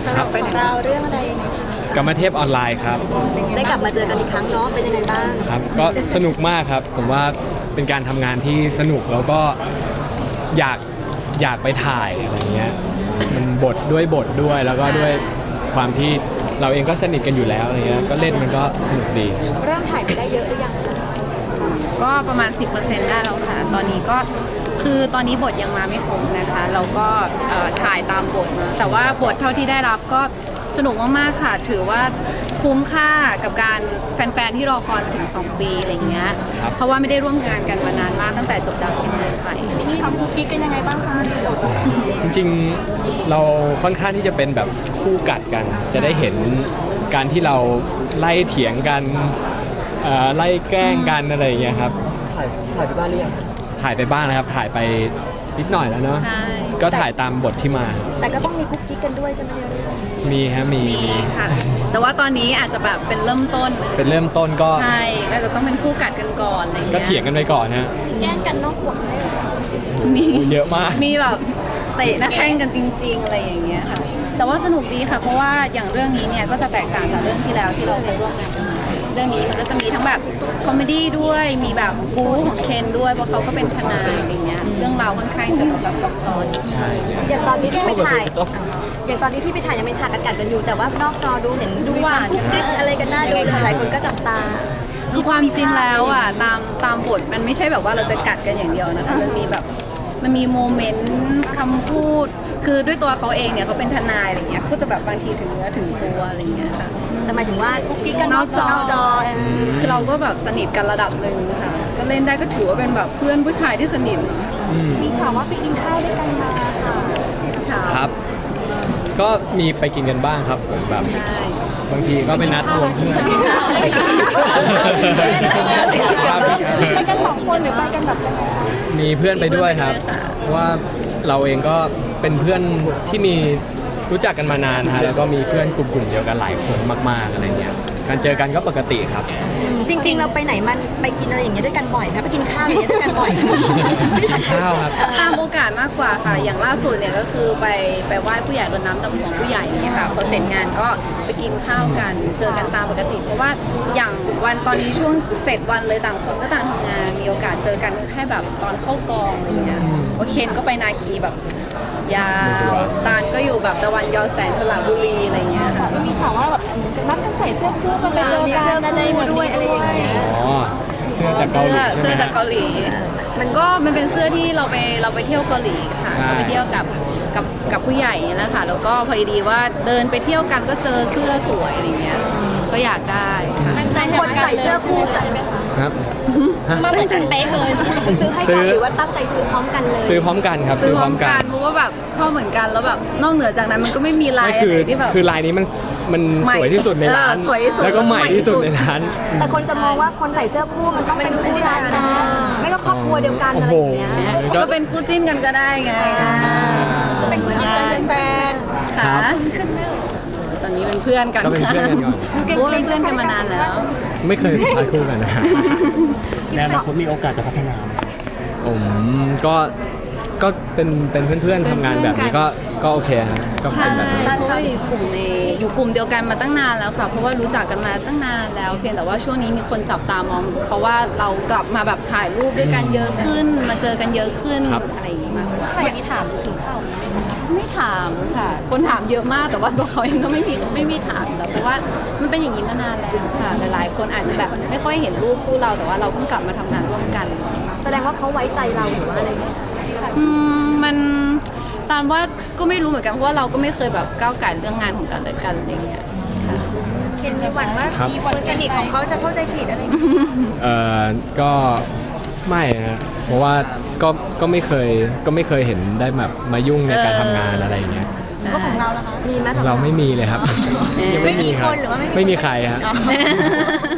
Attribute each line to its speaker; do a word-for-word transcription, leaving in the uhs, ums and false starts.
Speaker 1: สำหรับของเราเรื่องอะไรยังไงคะ
Speaker 2: กรรมเทพออนไลน์ครับ
Speaker 1: ได้กลับมาเจอกันอีกครั้งเนาะเป็นยังไงบ้าง
Speaker 2: ครับก็สนุกมากครับผมว่าเป็นการทำงานที่สนุกแล้วก็อยากอยากไปถ่ายอะไรเงี้ยมันบทด้วยบทด้วยแล้วก็ด้วยความที่เราเองก็สนิทกันอยู่แล้วอะไรเงี้ยก็เล่นมันก็สนุกดี
Speaker 1: เริ่มถ่ายไปได้เยอะหรือยังคะ
Speaker 3: ก็ประมาณ สิบเปอร์เซ็นต์ ได้แล้วค่ะ ตอนนี้ก็คือตอนนี้บทยังมาไม่ครบนะคะ เราก็เอ่อถ่ายตามบทนะแต่ว่าบทเท่าที่ได้รับก็สนุกมากๆค่ะ ถือว่าคุ้มค่ากับการแฟนๆที่รอคอยมาถึงสองปีอะไรเงี้ย
Speaker 2: ครับ
Speaker 3: เพราะว่าไม่ได้ร่วมงานกันมานานมากตั้งแต่จบดาวเคียงเดินไป
Speaker 1: มีความคุกกิ๊กกันยังไงบ้างคะ
Speaker 2: จริงๆเราค่อนข้างที่จะเป็นแบบคู่กัดกัน จะได้เห็นการที่เราไล่เถียงกันเอ่อไล่แกล้งกันอะไรอย่างเงี้ยครับ
Speaker 4: ถ่ายถ่ายไปบ้านหรือยัง
Speaker 2: ถ่ายไปบ้างนะครับถ่ายไปนิดหน่อยแล้วเนาะ
Speaker 3: ใช่
Speaker 2: ก็ถ่ายตามบทที่มา
Speaker 1: แต่ก็ต้องมีคุกกิ๊กกันด้วยใช่ไหมเนี่ย
Speaker 2: มีฮะมี
Speaker 3: มี
Speaker 2: มี
Speaker 3: ค่ะ แต่ว่าตอนนี้อาจจะแบบเป็นเริ่มต้น
Speaker 2: เป็นเริ่มต้นก็
Speaker 3: ใช่ก็จะต้องเป็นคู่กัดกันก่อนอะไรเงี้ย
Speaker 2: ก็เถียงกันไปก่อนฮะ
Speaker 1: แย่งกันนอกหัวไหม
Speaker 3: มี
Speaker 2: เยอะมาก
Speaker 3: มีแบบเตะหน้าแข้งกันจริง ๆ อะไรอย่างเงี้ยค่ะ แต่ว่าสนุกดีค่ะ เพราะว่าอย่างเรื่องนี้เนี่ยก็จะแตกต่างจากเรื่องที่แล้วที่เราเคยร่วมงานกันมาเรื่องนี้มันก็จะมีทั้งแบบคอมเมดี้ด้วย มีแบบบู๊ของเคนด้วย เพราะเขาก็เป็นทนายอะไรเงี้ย เรื่องราวค่อนข้างจะแบบซับซ้อน
Speaker 2: ใช่
Speaker 1: อย่างตอนนี้ที่ไปถ่ายอย่างตอนนี้ที่ไปถ่ายยังเป็นฉากกัดกันอยู่แต่ว่านอกจอดูเห็น
Speaker 3: ดูหวาน
Speaker 1: คุกกิ๊กอะไรกันน่าดูเลยหลายคนก็จับตา
Speaker 3: คือความจริงแล้วอ่ะตามตามบทมันไม่ใช่แบบว่าเราจะกัดกันอย่างเดียวนะคะมันมีแบบมันมีโมเมนต์คำพูด คือด้วยตัวเขาเองเนี่ยเขาเป็นทนายอะไรเงี้ยเขาก็จะแบบบางทีถึงเนื้อถึงตัวอะไรเงี้ยค่ะ
Speaker 1: แต่หมายถึงว่าคุกกิ๊กกัน
Speaker 3: นอกจอน
Speaker 1: อกจอเออ
Speaker 3: คือเราก็แบบสนิทกันระดับหนึ่งค่ะ ก็เล่นได้ก็ถือว่าเป็นแบบเพื่อนผู้ชายที่สนิทเนอะ
Speaker 2: อืม
Speaker 1: มีข่าวว่าไปกินข้าวด้วยกันมาค่ะ
Speaker 3: ค่ะ
Speaker 2: ครับ ก็มีไปกินกันบ้างครับผมแบบ
Speaker 3: ใช่
Speaker 2: บางทีก็ไปนัดรวมเพื่อน
Speaker 1: ไปกันสองคนหรือไปกันแบบยังไง
Speaker 2: มีเพื่อนไปด้วยครับเพราะว่าเราเองก็เป็นเพื่อนที่มีรู้จักกันมานานฮะแล้วก็มีเพื่อนกลุ่มๆเดียวกันหลายคนมากๆอะไรเงี้ยการเจอกันก็ปกติครับ
Speaker 1: จริง ๆ เราไปไหนมันไปกินอะไรอย่างเงี้ยด้วยกันบ่อยนะไปกินข้าวอย่างเงี้ยด้วยกันบ่อย
Speaker 2: กินข้าวครับ
Speaker 3: ตามโอกาสมากกว่าค่ะ อย่างล่าสุดเนี่ยก็คือไปไปไหว้ผู้ใหญ่รดน้ำดำหัวผู้ใหญ่เนี่ยค่ะพอเสร็จงานก็ไปกินข้าวกัน เจอกันตามปกติ เพราะว่าอย่างวันตอนนี้ช่วงเจ็ดวันเลยต่างคนก็ต่างทำงาน มีโอกาสเจอกันก็แค่แบบตอนเข้ากองอะไรเงี้ยว่าเคนก็ไปนาคีแบบยาวตาลก็อยู่แบบตะวันยอแสงสระบุรีอะไรเงี้ยค่ะ
Speaker 1: ก็มีข่าวว่าแบบจะนัดกันใส่เสื้อคู่กันไปเจอกันอะไรด้วยอะไรอย่างเงี้ย
Speaker 2: อ๋อเสื้อจากเกาหลีใช่ไหม
Speaker 3: เสื้อจากเกาหลี มันก็มันเป็นเสื้อที่เราไปเราไปเที่ยวเกาหลีค่ะ
Speaker 2: ใช่
Speaker 3: ก็ไปเที่ยวกับกับกับผู้ใหญ่นี่แหละค่ะ แล้วก็พอดีว่าเดินไปเที่ยวกันก็เจอเสื้อสวยอะไรเงี้ย ก็อยากได้ค่ะ
Speaker 1: แต่คนใส่เสื้อคู่กัน
Speaker 2: ครับ
Speaker 1: มาเหมือนกันเป๊ะเลยซื้อให้
Speaker 2: ซื้
Speaker 1: กัน
Speaker 2: อ
Speaker 1: หรือว่าตั้งใจซื้อพร้อมกันเลย
Speaker 2: ซื้อพร้อมกันครับ
Speaker 3: ซื้อพร้อมกันเพราะว่าแบบชอบเหมือนกันแล้วแบบนอกเหนือจากนั้นมันก็ไม่มีลาย
Speaker 2: ไม่
Speaker 3: อะ
Speaker 2: คือ
Speaker 3: ไรที่แบบ
Speaker 2: คือลายนี้มันมัน
Speaker 3: ใหม่
Speaker 2: สวยที่สุดในร้าน
Speaker 3: เออสวยที่สุด
Speaker 2: แล้วก็ใหม่ที่สุด
Speaker 3: แล้วก็ใหม่ที่สุด
Speaker 2: ในร้าน
Speaker 1: แต่คนจะมองว่าคนใส่เสื้อคู่มันต้องเป็นคู่กันนะไม่ก็ครอบครัวเดียวกันอะไรอย่างเงี้ย
Speaker 2: โอ้โห
Speaker 3: ก็เป็นคู่จิ้นกันก็ได้ไง
Speaker 1: เป็นคู่จิ้นกันเป็นแฟน
Speaker 3: ค่ะตอนนี้เป็นเพื่อนกัน
Speaker 2: ก็เป็นเพื่อนกันก่อน
Speaker 3: เพราะว่าเป็นเพื่อนกันมานานแล้ว
Speaker 2: ไม่เคยสัมภาษณ์คู่กันนะ
Speaker 4: ในอนาคตมีโอกาสจะพัฒนาไหม
Speaker 2: ผมก็ก็เป็นเป็นเพื่อนๆทำงานแบบนี้ก็ก็โอเคครับก็
Speaker 3: ใช่
Speaker 2: เป็นแบบนี้
Speaker 3: เพราะว่าอยู่กลุ่มในอยู่กลุ่มเดียวกันมาตั้งนานแล้วค่ะ เพราะว่ารู้จักกันมาตั้งนานแล้ว เพียงแต่ว่าช่วงนี้มีคนจับตามอง เพราะว่าเรากลับมาแบบถ่ายรูปด้วยกันเยอะขึ้น มาเจอกันเยอะขึ้นอะไรอย่างงี้มากกว่า
Speaker 1: อย่างนี้ถามถึงข้าว
Speaker 3: ไม่ถามค่ะ คนถามเยอะมากแต่ว่าตัวเขาเองก็ไม่มีไม่มีถามแล้วเพราะว่ามันเป็นอย่างนี้มานานแล้วค่ะ หลายๆ คนอาจจะแบบไม่ค่อยเห็นรูปคู่เราแต่ว่าเราเพิ่งกลับมาทำงานร่วมกัน
Speaker 1: แสดงว่าเขาไว้ใจเราหรือว่าอะไรเงี้ย
Speaker 3: อืมมันตามว่าก็ไม่รู้เหมือนกันเพราะว่าเราก็ไม่เคยแบบก้าวไก่เรื่องงานของกันและกันอะไรเงี้ยค่ะ
Speaker 1: เคนมีหวังว่า
Speaker 2: ครับ
Speaker 1: มีคนสนิทของเขาจะเข้าใจผิดอะไรเงี้ย
Speaker 2: เอ่อก็ไม่ฮะเพราะว่าก็ก็ไม่เคยก็ไม่เคยเห็นได้แบบมายุ่งในการทำงานอะไรอย่างเงี้ย
Speaker 1: ก็ของเราล่ะคะมีไหมของ
Speaker 2: เราไม่มีเลยครับยังไม่มีครับ
Speaker 1: ไม่มีคนหรือว่าไม่มี
Speaker 2: ไม่มีใครฮะ
Speaker 1: อ๋อ